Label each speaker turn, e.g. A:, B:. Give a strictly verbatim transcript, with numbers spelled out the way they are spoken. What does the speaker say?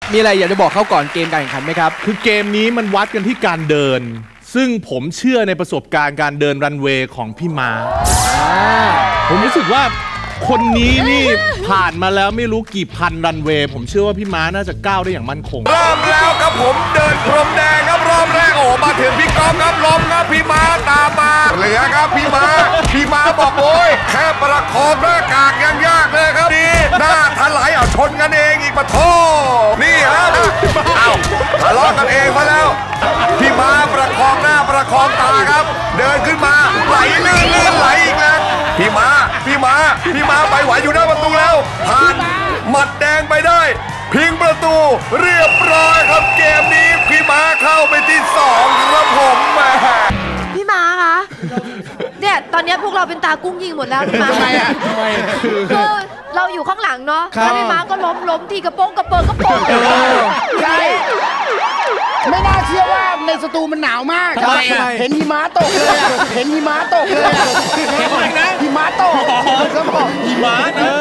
A: มีอะไรอยากจะบอกเขาก่อนเกมการแข่งขันไหมครับ
B: คือเกมนี้มันวัดกันที่การเดินซึ่งผมเชื่อในประสบการณ์การเดินรันเวย์ของพี่ม้าผมรู้สึกว่าคนนี้นี่ผ่านมาแล้วไม่รู้กี่พันรันเวย์ผมเชื่อว่าพี่ม้าน่าจะก้าวได้อย่างมั่นคง
C: เริ่มแล้วครับผมเดินพรมแดงครับรอบแรกโอ้มาถึงพี่ก๊อฟครับล้มครับพี่ม้าตามมาเหลือครับพี่ม้าพี่ม้าบอกโอ้ยแค่ประคองหน้ากากยังยากเลยครับนี่หน้าถลายเอาชนกันเองอีกปะโถนี่ครับเอาทะเลาะกันเองมาแล้วพี่ม้าประคองหน้าประคองตาครับเดินขึ้นมาไหลเลื่อนเลื่อนไหลอีกแล้วพี่ม้าพี่ม้าพี่ม้าไปไหวอยู่หน้าประตูแล้วผ่านหมัดแดงไปได้พิงประตูเรียบร้อยครับเกมนี้พี่ม้าเข้าไปที่สองครับผมแม่
D: พี่ม้าคะเนี่ยตอนนี้พวกเราเป็นตากุ้งยิงหมดแล้วพี่ม้าทำไมอ่ะทำไมคือเราอยู่ข้างหลังเนาะแล้วพี่ม้าก็ล้มล้มทีกระโปงกระเปิงกระโปง
E: ใช่ไม่น่าเชื่อว่าในสตูมันหนาวมากเห็นหิมะตกเลยเห็นหิมะตกเลยหิมะตกครับผมหิมะเออ